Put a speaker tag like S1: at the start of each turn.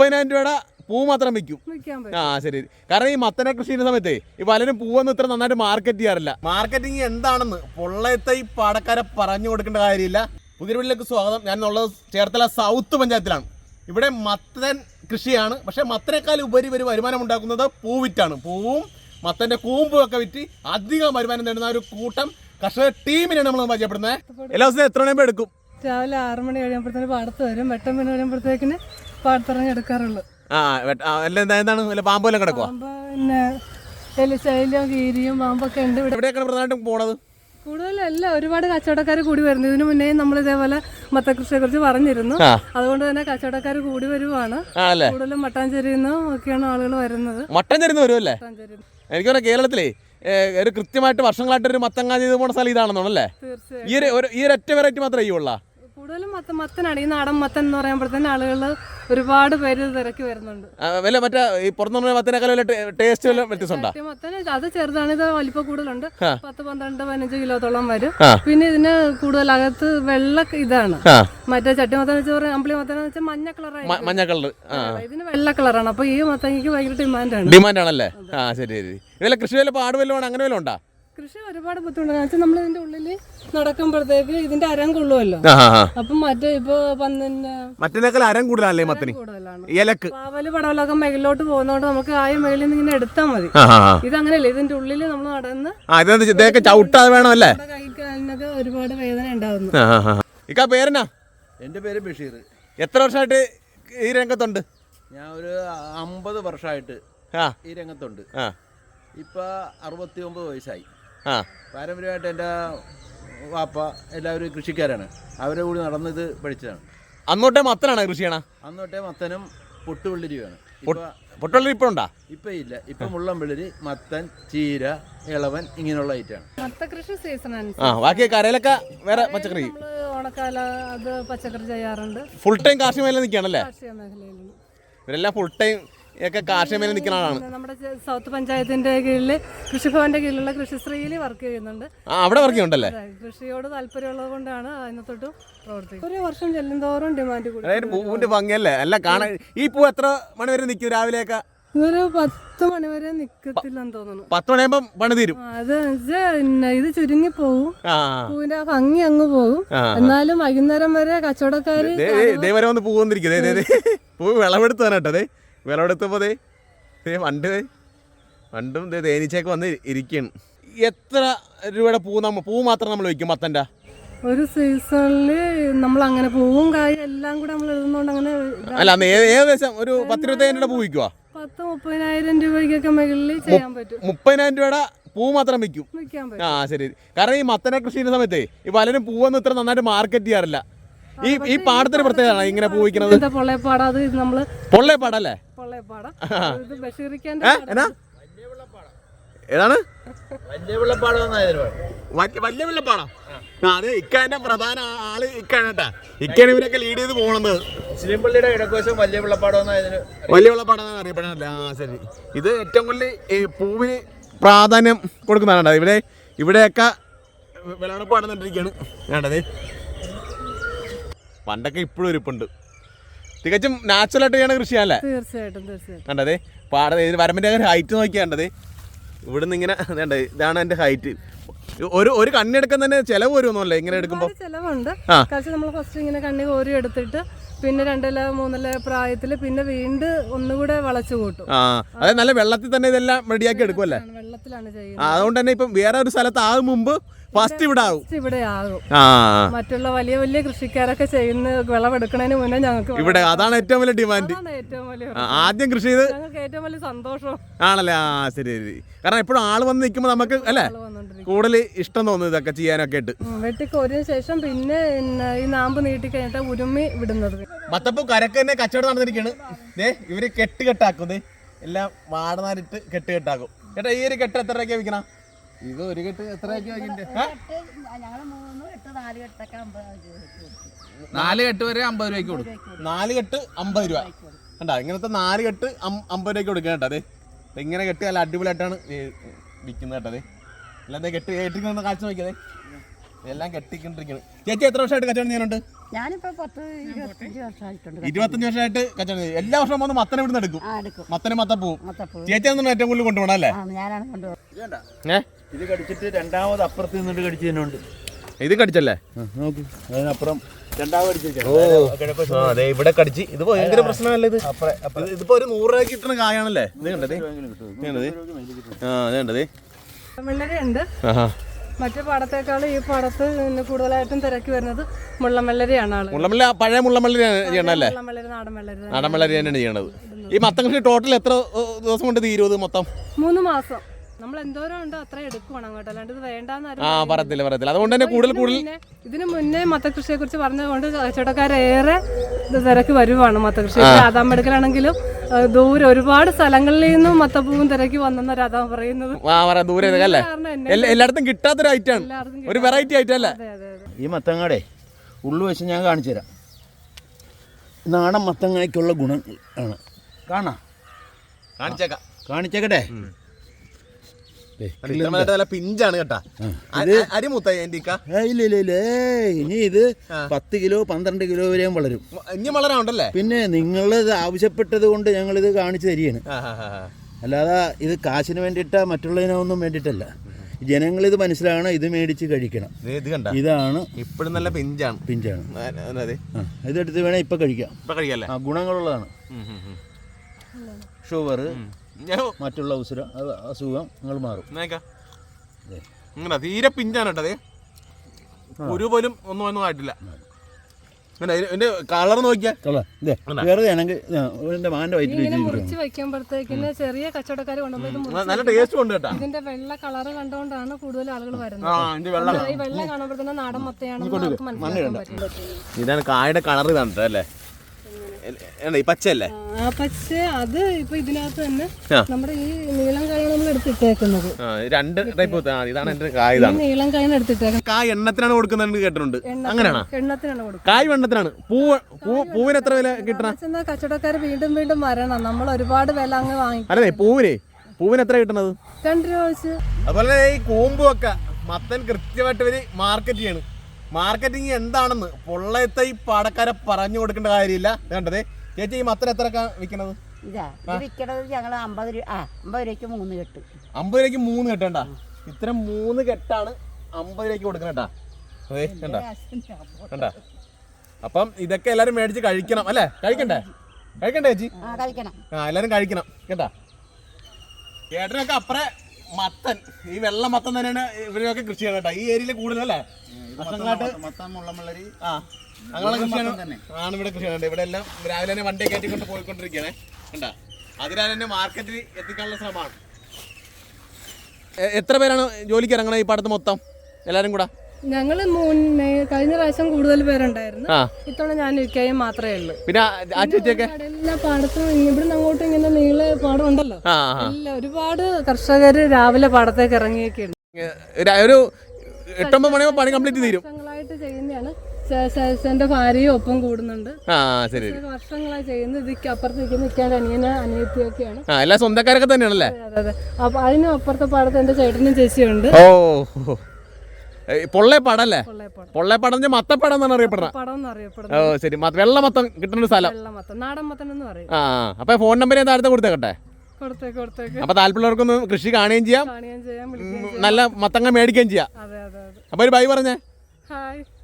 S1: 30,000 രൂപയുടെ പൂ മാത്രം വിൽക്കും. ആ ശരി. കാരണം ഈ മത്തനെ കൃഷി ചെയ്യുന്ന സമയത്ത് ഈ പലരും പൂവൊന്നും ഇത്ര നന്നായിട്ട് മാർക്കറ്റ് ചെയ്യാറില്ല. മാർക്കറ്റിംഗ് എന്താണെന്ന് പൊള്ളയത്തെ ഈ പാടക്കാരെ പറഞ്ഞു കൊടുക്കേണ്ട കാര്യമില്ല. പുതിയ വീട്ടിലേക്ക് സ്വാഗതം. ഞാൻ ഉള്ളത് ചേർത്തല സൗത്ത് പഞ്ചായത്തിലാണ്. ഇവിടെ മത്തൻ കൃഷിയാണ്. പക്ഷേ മത്തനേക്കാൾ ഉപരി ഒരു വരുമാനം ഉണ്ടാക്കുന്നത് പൂവിറ്റാണ്. പൂവും മത്തൻ്റെ കൂമ്പും ഒക്കെ വിറ്റ് അധികം വരുമാനം നേടുന്ന ഒരു കൂട്ടം കർഷക ടീമിനാണ് നമ്മൾ പരിചയപ്പെടുന്നത്. എല്ലാ ദിവസവും എത്ര മണിയാകുമ്പോൾ എടുക്കും?
S2: രാവിലെ 6 മണി കഴിയുമ്പോഴത്തേന് പാടത്ത് വരും. 8 മണി കഴിയുമ്പോഴത്തേക്കിന് പാടത്തിറങ്ങി എടുക്കാറുള്ളൂ.
S1: എന്താണ് പാമ്പ് വല്ലതും കിടക്കുക?
S2: പിന്നെ എലിശൈലം കീരിയും പാമ്പൊക്കെ ഉണ്ട്.
S1: എവിടെയൊക്കെയാണ് പ്രധാനമായിട്ടും പോണത്?
S2: കൂടുതലല്ല, ഒരുപാട് കച്ചവടക്കാർ കൂടി വരുന്നു. ഇതിനു മുന്നേ നമ്മൾ ഇതേപോലെ മത്തകൃഷിയെ കുറിച്ച് പറഞ്ഞിരുന്നു. അതുകൊണ്ട് തന്നെ കച്ചവടക്കാർ കൂടി വരുവാണ്. കൂടുതലും മട്ടാഞ്ചേരിയിൽ നിന്നും ഒക്കെയാണ് ആളുകൾ വരുന്നത്.
S1: മട്ടാഞ്ചേരി വരുമല്ലേ? എനിക്ക് പറയാം കേരളത്തിലേ ഒരു കൃത്യമായിട്ട് വർഷങ്ങളായിട്ട് ഒരു മത്തങ്ങ ചെയ്ത് പോണ സ്ഥലം ഇതാണെന്നോണല്ലേ?
S2: തീർച്ചയായും.
S1: ഈ ഒരൊറ്റ വെറൈറ്റി മാത്രമേ ഈ ഉള്ള
S2: കൂടുതലും മത്തനാണ്. ഈ നാടൻ മത്തൻ എന്ന് പറയുമ്പോഴത്തേന് ആളുകൾ ഒരുപാട് പേര് തിരക്കി വരുന്നുണ്ട്.
S1: മറ്റേ ഈ പുറത്തുനിന്ന് മത്തനേക്കാൾ ടേസ്റ്റ് വ്യത്യാസമുണ്ടോ?
S2: മത്തന് അത് ചെറുതാണ്, ഇത് വലിപ്പം കൂടുതലുണ്ട്. 10, 12, 15 കിലോത്തോളം വരും. പിന്നെ ഇതിന് കൂടുതൽ അകത്ത് വെള്ള ഇതാണ്. മറ്റേ ചട്ടിമത്തൻ വെച്ച് പറയാം, അമ്പിളി മത്തൻ വെച്ചാൽ മഞ്ഞ കളർ. ഇതിന് വെള്ള കളറാണ്. അപ്പൊ ഈ മത്തങ്ങയ്ക്ക് ഭയങ്കര
S1: ഡിമാൻഡാണല്ലേ? ആ ശരി ശരി. ഇതെല്ലാം കൃഷി വല്ല പാട് വല്ലതും അങ്ങനെ വല്ലതും ഉണ്ടോ?
S2: കൃഷി ഒരുപാട് ബുദ്ധിമുട്ടാണ്. വെച്ചാൽ നമ്മൾ ഇതിന്റെ ഉള്ളിൽ നടക്കുമ്പോഴത്തേക്ക് ഇതിന്റെ അരം കൊള്ളുമല്ലോ. അപ്പം മറ്റേ ഇപ്പൊ
S1: മറ്റേക്കാൾ അരം കൂടുതലല്ലേ മത്തന്?
S2: കൂടുതലാണ്. പാവല് പടവലൊക്കെ മേളിലോട്ട് പോകുന്നതുകൊണ്ട് നമുക്ക് മേളിൽ നിന്ന് ഇങ്ങനെ എടുത്താൽ മതി. ഇതങ്ങനെയല്ലേ, ഇതിന്റെ ഉള്ളിൽ നമ്മൾ നടന്ന്
S1: ചവിട്ടാതെ വേണമല്ലേ?
S2: കൈക്കാലിനൊക്കെ ഒരുപാട് വേദന ഉണ്ടാവുന്നു.
S1: ഇക്കാ പേരെന്നാ?
S3: എൻ്റെ പേര് ബഷീർ.
S1: എത്ര വർഷമായിട്ട് ഈ രംഗത്തുണ്ട്?
S3: ഞാൻ ഒരു 50 വർഷമായിട്ട് ഈ രംഗത്തുണ്ട്. ഇപ്പം 69 വയസ്സായി. പാരമ്പര്യമായിട്ട് എൻ്റെ വാപ്പ എല്ലാവരും കൃഷിക്കാരാണ്. അവരെ കൂടി നടന്നത് പഠിച്ചതാണ്.
S1: അന്നോട്ടേ മത്തനാണ് കൃഷി ചെയ്യണ?
S3: അന്നോട്ടേ മത്തനും പൊട്ടുവെള്ളരിയുമാണ്.
S1: പൊട്ടുവെള്ളരി ഇപ്പം ഉണ്ടോ?
S3: ഇപ്പം ഇല്ല. ഇപ്പം മുള്ളംവെള്ളരി, മത്തൻ, ചീര, ഇളവൻ ഇങ്ങനെയുള്ള ഐറ്റമാണ്.
S2: മത്തകൃഷി സീസൺ.
S1: ബാക്കി കരയിലൊക്കെ വേറെ പച്ചക്കറി?
S2: ഓണക്കാല അത് പച്ചക്കറി ചെയ്യാറുണ്ട്.
S1: ഫുൾ ടൈം കാർഷിക മേഖല നിൽക്കുകയാണല്ലേ?
S2: കാർഷിക മേഖലയിൽ
S1: ഇവരെല്ലാം ഫുൾ ടൈം ഒക്കെ കാർഷിക മേഖല നിൽക്കുന്ന ആളാണ്.
S2: നമ്മുടെ സൗത്ത് പഞ്ചായത്തിന്റെ കീഴിൽ കൃഷിഭവന്റെ കീഴിലുള്ള കൃഷിശ്രീയിൽ വർക്ക് ചെയ്യുന്നുണ്ട്.
S1: അവിടെ വർക്ക് ചെയ്യുന്നുണ്ടല്ലേ?
S2: കൃഷിയോട് താല്പര്യമുള്ളത് കൊണ്ടാണ് അതിനകത്തോട്ട് പ്രവർത്തിക്കുന്നത്. ഒരു വർഷം ചെല്ലുന്തോറും ഡിമാൻഡ് കൂടും.
S1: അതായത് പൂവിന്റെ ഭംഗിയല്ലേ എല്ലാം കാണാൻ. ഈ പൂ എത്ര മണി വരെ നിൽക്കും രാവിലെയൊക്കെ?
S2: ഇതൊരു 10 മണി വരെ നിക്കത്തില്ലെന്ന് തോന്നുന്നു.
S1: 10 മണിയാകുമ്പോ പണി തീരും.
S2: അത് ഇത് ചുരുങ്ങി പോകും. പൂവിന്റെ ഭംഗി അങ്ങ് പോകും. എന്നാലും വൈകുന്നേരം വരെ കച്ചവടക്കാര്
S1: ഇതേവരെ വന്ന് പൂ വന്നിരിക്കും. പൂ വിളവെടുത്ത് തന്നെട്ടോ. വിളവെടുത്തപ്പോ പണ്ടും തേനീച്ചയൊക്കെ വന്ന് ഇരിക്കുകയാണ്. എത്ര രൂപയുടെ പൂ മാത്രം നമ്മൾ വയ്ക്കും മത്തൻ്റെ?
S2: ഒരു സീസണില് നമ്മൾ അങ്ങനെ പൂവും കായും എല്ലാം കൂടെ നമ്മൾ എഴുതുന്നോണ്ട് അങ്ങനെ
S1: അല്ല, ഏകദേശം ഒരു 10-25 രൂപയുടെ പൂ വിൽക്കുക.
S2: 30,000 രൂപയ്ക്കൊക്കെ മുകളിൽ ചെയ്യാൻ പറ്റും.
S1: 30,000 രൂപയുടെ പൂ മാത്രം വിൽക്കും. ആ ശരി. കാരണം ഈ മത്തനെ കൃഷി ചെയ്യുന്ന സമയത്ത് ഈ പലരും പൂവൊന്നും ഇത്ര നന്നായിട്ട് മാർക്കറ്റ് ചെയ്യാറില്ല. ഈ പാടത്തിന് പ്രത്യേകത ഇങ്ങനെ പൂ വിൽക്കുന്നത്. പൊള്ളേപ്പാടല്ലേ? ഏതാണ്
S3: വലിയ വെള്ളപ്പാടം?
S1: അതെ, ഇക്കാന്റെ പ്രധാന ആള് ഇക്കാണ് കേട്ടാ. ഇക്കാണ് ഇവരൊക്കെ ലീഡ് ചെയ്ത് പോണത്.
S3: മുസ്ലിംപള്ളിയുടെ കിഴക്കുവശം വലിയ വെള്ളപ്പാടം
S1: അറിയപ്പെടാനല്ല. ആ ശരി. ഇത് ഏറ്റവും കൂടുതൽ ഈ പൂവിന് പ്രാധാന്യം കൊടുക്കുന്നതാണ്. ഇവിടെയൊക്കെ വിളവെടുപ്പ് നടന്നിട്ടിരിക്കുകയാണ് വേണ്ടത്. പണ്ടൊക്കെ ഇപ്പോഴും ഇരിപ്പുണ്ട്. തികച്ചും നാച്ചുറലായിട്ട് ചെയ്യണ കൃഷിയല്ലേ?
S2: തീർച്ചയായിട്ടും.
S1: വേണ്ടതേ വരമ്പിന്റെ ഹൈറ്റ് നോക്കിയാണ്ടത്. ഇവിടുന്ന് ഇങ്ങനെ വേണ്ടത് ഇതാണ് എന്റെ ഹൈറ്റ്. ഒരു കണ്ണെടുക്കാൻ തന്നെ ചെലവ് വരുമല്ലേ ഇങ്ങനെ എടുക്കുമ്പോൾ?
S2: ചെലവുണ്ട്. നമ്മൾ ഫസ്റ്റ് ഇങ്ങനെ കണ്ണി കോരി എടുത്തിട്ട് പിന്നെ 2-3 പ്രായത്തിൽ പിന്നെ വീണ്ടും ഒന്നുകൂടെ വളച്ചു കൂട്ടും.
S1: അതായത് നല്ല വെള്ളത്തിൽ തന്നെ ഇതെല്ലാം റെഡിയാക്കി എടുക്കുമല്ലേ?
S2: വെള്ളത്തിലാണ് ചെയ്യുന്നത്.
S1: അതുകൊണ്ട് തന്നെ ഇപ്പം വേറെ ഒരു സ്ഥലത്ത് ആകും മുമ്പ് ഫസ്റ്റ് ഇവിടെ
S2: ആകും. മറ്റുള്ള വലിയ വലിയ കൃഷിക്കാരൊക്കെ ചെയ്യുന്ന വിളവെടുക്കുന്നതിന് മുന്നേ ഞങ്ങൾക്ക്
S1: ഇവിടെ. അതാണ് ഏറ്റവും വലിയ ഡിമാൻഡ്. ആദ്യം കൃഷി ചെയ്ത്
S2: ഞങ്ങൾക്ക് ഏറ്റവും വലിയ സന്തോഷം
S1: ആണല്ലേ? ആ ശരി ശരി. കാരണം എപ്പോഴും ആള് വന്ന് നിൽക്കുമ്പോൾ നമുക്ക് അല്ലേ കൂടുതൽ ഇഷ്ടം തോന്നുന്നു ഇതൊക്കെ ചെയ്യാനൊക്കെ ആയിട്ട്.
S2: വെട്ടിക്കോരിന് ശേഷം പിന്നെ ഈ നാമ്പ് നീട്ടി കഴിഞ്ഞിട്ട് ഉരുമ്മി വിടുന്നത്.
S1: മത്തപ്പൂ കരക്ക് തന്നെ കച്ചവടം നടന്നിരിക്കുകയാണ്. ഇവര് കെട്ടാക്കും. എല്ലാം വാടനാരിട്ട് കെട്ടാക്കും. ചേട്ടാ, ഈ ഒരു കെട്ട് എത്ര രൂപയ്ക്ക് വിൽക്കണം?
S3: ഇത് ഒരു കെട്ട് എത്ര രൂപയ്ക്ക്? 4 കെട്ട് വരെ 50 രൂപയ്ക്ക് കൊടുക്കും.
S1: 4 കെട്ട് 50 രൂപ കണ്ടാ? ഇങ്ങനത്തെ 4 കെട്ട് 50 രൂപയ്ക്ക് കൊടുക്കുക കേട്ടോ. അതെ, ഇങ്ങനെ കെട്ടി നല്ല അടിപൊളിയായിട്ടാണ് വിൽക്കുന്നത് കേട്ടോ. എല്ലാം കെട്ടിരിക്കുന്ന കാഴ്ച നോക്കിയതേ. എല്ലാം കെട്ടിക്കൊണ്ടിരിക്കുന്നത്. ചേച്ചി എത്ര വർഷമായിട്ട് കച്ചവടം ചെയ്യാനുണ്ട്?
S4: ഞാനിപ്പോ 10-25 വർഷമായിട്ടുണ്ട്.
S1: 25 വർഷമായിട്ട് കച്ചവടം ചെയ്യും. എല്ലാ വർഷവും വന്ന് മത്തനെ ഇവിടുന്ന് എടുക്കും.
S4: എടുക്കും.
S1: മത്തനെ മത്തപ്പൂവും.
S4: മത്തപ്പൂ
S1: ചേച്ചിയാണ് ഏറ്റവും കൂടുതൽ കൊണ്ടുപോകണം അല്ലേ?
S4: ഞാനാണ് കൊണ്ടുപോകുന്നത്.
S3: ഇത് കടിച്ചിട്ട് രണ്ടാമത് അപ്പുറത്ത് നിന്നിട്ട് കടിച്ചതിനുണ്ട്.
S1: ഇത് കടിച്ചല്ലേ?
S3: നോക്കൂ, അതിനപ്പുറം രണ്ടാമത് കടിച്ചു.
S1: അതെ, ഇവിടെ കടിച്ച്. ഇത് ഭയങ്കര പ്രശ്നമല്ലേ ഇത്? ഇതിപ്പോ ഒരു 100 രൂപയ്ക്ക് കിട്ടുന്ന കായാണല്ലേ? ഇത് കണ്ടത്? കണ്ടത്?
S2: വെള്ളരിയുണ്ട്. മറ്റു പാടത്തേക്കാൾ ഈ പാടത്ത് കൂടുതലായിട്ടും തിരക്കി വരുന്നത് മുള്ളംവെള്ളരിയാണ് ആള്.
S1: മുള്ളംവെള്ളരി പഴയ മുള്ളംവെള്ളരി ചെയ്യണല്ലേ?
S2: മുള്ളംവെള്ളരി, നാടൻ വെള്ളരി.
S1: നാടൻ വെള്ളരി തന്നെയാണ് ചെയ്യണത്. ഈ മത്തൻ കൃഷി ടോട്ടൽ എത്ര ദിവസം കൊണ്ട് തീരും മൊത്തം?
S2: 3 മാസം. നമ്മൾ എന്തോരം ഉണ്ടോ അത്ര എടുക്കുവാണ് അങ്ങോട്ട്, അല്ലാണ്ട് ഇത് വേണ്ടെന്ന്
S1: പറയത്തില്ല. അതുകൊണ്ട് തന്നെ കൂടുതൽ
S2: ഇതിന് മുന്നേ മത്തകൃഷിയെ കുറിച്ച് പറഞ്ഞതുകൊണ്ട് കച്ചവടക്കാരേറെ തിരക്ക് വരുവാണ്. മത്തകൃഷി രാധാം എടുക്കലാണെങ്കിലും ദൂരെ ഒരുപാട് സ്ഥലങ്ങളിൽ നിന്നും മത്തപ്പൂവും തിരക്കി വന്നെന്ന രാധാം പറയുന്നത്.
S1: ദൂരെ എല്ലായിടത്തും കിട്ടാത്തൊരു ഐറ്റാണ്, ഒരു വെറൈറ്റി ഐറ്റം അല്ലേ?
S3: ഈ മത്തങ്ങാടെ ഉള്ളു വെച്ച് ഞാൻ കാണിച്ചു തരാം. നാടൻ മത്തങ്ങയ്ക്കുള്ള ഗുണം ആണ്. കാണിച്ചേക്കട്ടെ.
S1: പിഞ്ചാണ് കേട്ടാ.
S3: ഇല്ല, ഇനി ഇത് 10 കിലോ 12 കിലോ വരെയും വളരും.
S1: ഇനി വളരാണ്ടല്ലേ?
S3: പിന്നെ നിങ്ങൾ ഇത് ആവശ്യപ്പെട്ടത് കൊണ്ട് ഞങ്ങൾ ഇത് കാണിച്ചു തരികയാണ്. അല്ലാതെ ഇത് കാശിന് വേണ്ടിയിട്ടാ മറ്റുള്ളതിനൊന്നും വേണ്ടിയിട്ടല്ല. ജനങ്ങളിത് മനസ്സിലാകണം, ഇത് മേടിച്ച് കഴിക്കണം. ഇതാണ്
S1: ഇപ്പോഴും നല്ല പിഞ്ചാണ്.
S3: ഇതെടുത്ത് വേണേ ഇപ്പൊ കഴിക്കാം. ഗുണങ്ങളുള്ളതാണ്. ഷുഗർ, മറ്റുള്ള അസുഖം നിങ്ങൾ മാറും.
S1: തീരെ പിഞ്ചാണ് കേട്ടത്. ഒരു പോലും ഒന്നും ആയിട്ടില്ല. എന്റെ കളർ നോക്കിയാൽ
S2: മുറിച്ച് വെക്കുമ്പോഴത്തേക്കിന് ചെറിയ കച്ചവടക്കാർ കൊണ്ടുപോയി
S1: നല്ല ടേസ്റ്റ് ഉണ്ട് കേട്ടോ.
S2: ഇതിന്റെ വെള്ള കളർ കണ്ടുകൊണ്ടാണ് കൂടുതൽ ആളുകൾ വരുന്നത്. ഈ വെള്ള കാണുമ്പോൾ തന്നെ നാടൻ മത്തയാണ്.
S1: ഇതാണ് കായുടെ കളർ ഇതാണ് അല്ലേ? ഈ പച്ചയല്ലേ?
S2: പച്ച അത് ഇപ്പൊ ഇതിനകത്ത് തന്നെ നമ്മുടെ ഈ നീളം കായാണ് നമ്മൾ എടുത്തിട്ടേക്കുന്നത്.
S1: 2 ടൈപ്പ്. ഇതാണ് എന്റെ കായ.
S2: നീളം കായാണ് എടുത്തിട്ടേക്കുന്നത്.
S1: കായ് എണ്ണത്തിനാണ് കൊടുക്കുന്നത് കേട്ടിട്ടുണ്ട്. അങ്ങനെയാണോ?
S2: എണ്ണത്തിനാണ് കൊടുക്കുന്നത്.
S1: കായ് എണ്ണത്തിനാണ്. പൂവിന് എത്ര വില കിട്ടണം?
S2: കച്ചവടക്കാർ വീണ്ടും വരണം. നമ്മൾ ഒരുപാട് വില അങ്ങ് വാങ്ങിക്കും.
S1: അല്ലേ? പൂവിന് എത്ര കിട്ടണത്?
S2: 2 രൂപ വെച്ച്.
S1: അതുപോലെ ഈ കൂമ്പുമൊക്കെ മത്തൻ കൃത്യമായിട്ട് ഇവര് മാർക്കറ്റ് ചെയ്യണം. മാർക്കറ്റിംഗ് എന്താണെന്ന് പൊള്ളയത്തെ ഈ പാടക്കാരെ പറഞ്ഞു കൊടുക്കേണ്ട കാര്യമില്ല. കണ്ടതേ ചേച്ചി, ഈ മത്തൻ എത്ര വിൽക്കണത്?
S4: വിൽക്കണത് ഞങ്ങൾ 50 രൂപയ്ക്ക് 3 കെട്ട്.
S1: 50 രൂപയ്ക്ക് 3 കെട്ടണ്ട. ഇത്തരം 3 കെട്ടാണ് 50 രൂപയ്ക്ക് കൊടുക്കണേട്ടാ. അതെ, കണ്ട. അപ്പം ഇതൊക്കെ എല്ലാരും മേടിച്ച് കഴിക്കണം അല്ലേ? കഴിക്കണ്ടേ ചേച്ചി? എല്ലാരും കഴിക്കണം കേട്ടാ. ചേട്ടനൊക്കെ അപ്പറേ മത്തൻ, ഈ വെള്ള മത്തൻ തന്നെയാണ് ഇവരൊക്കെ കൃഷി ചെയ്യണം കേട്ടോ. ഈ ഏരിയയിൽ കൂടുതലല്ലേ അങ്ങനെയുള്ള കൃഷിയാണ് ഇവിടെ കൃഷി ചെയ്യുന്നത്. ഇവിടെ എല്ലാം രാവിലെ തന്നെ വണ്ടി കയറ്റിക്കൊണ്ട് പോയിക്കൊണ്ടിരിക്കുകയാണ് കണ്ടാ. അതിനാൽ തന്നെ മാർക്കറ്റിൽ എത്തിക്കാനുള്ള ശ്രമമാണ്. എത്ര പേരാണ് ജോലിക്ക് ഇറങ്ങണത് ഈ പാടത്ത് മൊത്തം എല്ലാരും കൂടെ?
S2: ഞങ്ങള് കഴിഞ്ഞ പ്രാവശ്യം കൂടുതൽ പേരുണ്ടായിരുന്നു. ഇത്തവണ ഞാൻ ഇരിക്കുകയും മാത്രമേ ഉള്ളൂ.
S1: പിന്നെ
S2: എല്ലാ പാടത്തും ഇവിടുന്ന് അങ്ങോട്ടും ഇങ്ങനെ നീള പാടം ഉണ്ടല്ലോ. ഒരുപാട് കർഷകര് രാവിലെ പാടത്തേക്ക് ഇറങ്ങിയൊക്കെയുണ്ട്.
S1: ഒരു 8-9 മണിയാകുമ്പോൾ പണി കംപ്ലീറ്റ് തീരും.
S2: വർഷങ്ങളായിട്ട് ചെയ്യുന്നതാണ്. എന്റെ ഭാര്യയും ഒപ്പം കൂടുന്നുണ്ട്. വർഷങ്ങളായി ചെയ്യുന്നത്. ഇതിക്ക് അപ്പുറത്തേക്ക് നിൽക്കാൻ അനിയത്തിയൊക്കെയാണ്.
S1: എല്ലാ സ്വന്തക്കാരൊക്കെ തന്നെയാണല്ലേ?
S2: അതെ. അപ്പൊ അതിനും അപ്പുറത്തെ പാടത്ത് എന്റെ ചേട്ടനും ചേച്ചിയുണ്ട്.
S1: പൊള്ളേപ്പാടല്ലേ? പൊള്ളേപ്പാടം മത്തപ്പാടം എന്നാണ് അറിയപ്പെടുന്നത്. ഓ ശരി. വെള്ള മത്തം കിട്ടുന്ന സ്ഥലം
S2: നാടൻ മത്തൻ എന്ന് പറയും.
S1: അപ്പൊ ഫോൺ നമ്പർ ഞാൻ താഴത്തെ കൊടുത്തേക്കട്ടെ.
S2: കൊടുത്തേക്ക്.
S1: അപ്പൊ താല്പര്യമുള്ളവർക്കൊന്ന് കൃഷി കാണുകയും ചെയ്യാം, നല്ല മത്തങ്ങ മേടിക്കുകയും ചെയ്യാം.
S2: അതെ.
S1: അപ്പൊ ഒരു ബൈ പറഞ്ഞേ.
S2: ഹായ്.